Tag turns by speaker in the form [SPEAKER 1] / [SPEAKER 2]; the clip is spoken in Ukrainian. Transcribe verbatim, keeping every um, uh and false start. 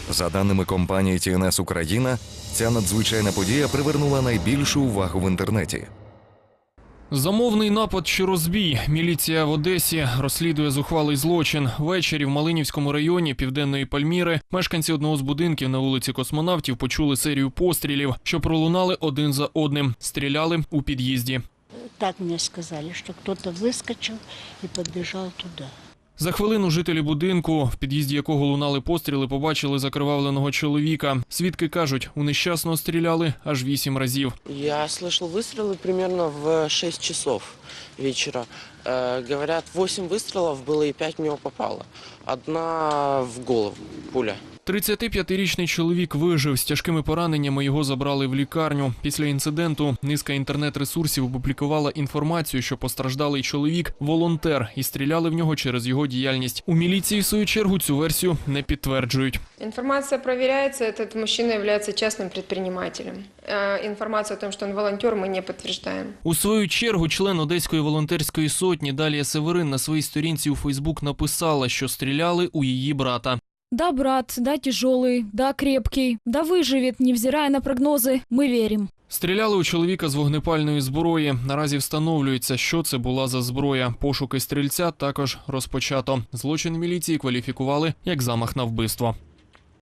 [SPEAKER 1] За даними компанії Ті Ен Ес Україна, ця надзвичайна подія привернула найбільшу увагу в інтернеті.
[SPEAKER 2] Замовний напад чи розбій. Міліція в Одесі розслідує зухвалий злочин. Ввечері в Малинівському районі Південної Пальміри мешканці одного з будинків на вулиці Космонавтів почули серію пострілів, що пролунали один за одним. Стріляли у під'їзді.
[SPEAKER 3] Так мені сказали, що хтось вискочив і підбіжав туди.
[SPEAKER 2] За хвилину жителі будинку, в під'їзді якого лунали постріли, побачили закривавленого чоловіка. Свідки кажуть, у нещасного стріляли аж вісім разів.
[SPEAKER 4] Я слышал выстрелы примерно в шесть часов вечера. Э, говорят, восемь выстрелов было и пять в него попало. Одна в голову, пуля.
[SPEAKER 2] тридцятип'ятирічний чоловік вижив. З тяжкими пораненнями його забрали в лікарню. Після інциденту низка інтернет-ресурсів опублікувала інформацію, що постраждалий чоловік – волонтер, і стріляли в нього через його діяльність. У міліції, в свою чергу, цю версію не підтверджують.
[SPEAKER 5] Информация проверяется, этот мужчина является частным предпринимателем. Э, Информацию о том, что он волонтер, мы не подтверждаем.
[SPEAKER 2] У свою чергу член Одеської волонтерської сотні Далія Северин на своїй сторінці у Фейсбук написала, що стріляли у її брата.
[SPEAKER 6] Да, брат, да, тяжелый, да, крепкий, да, выживет, невзирая на прогнозы, мы верим.
[SPEAKER 2] Стріляли у чоловіка з вогнепальної зброї. Наразі встановлюється, що це була за зброя. Пошуки стрільця також розпочато. Злочин міліції кваліфікували як замах на вбивство.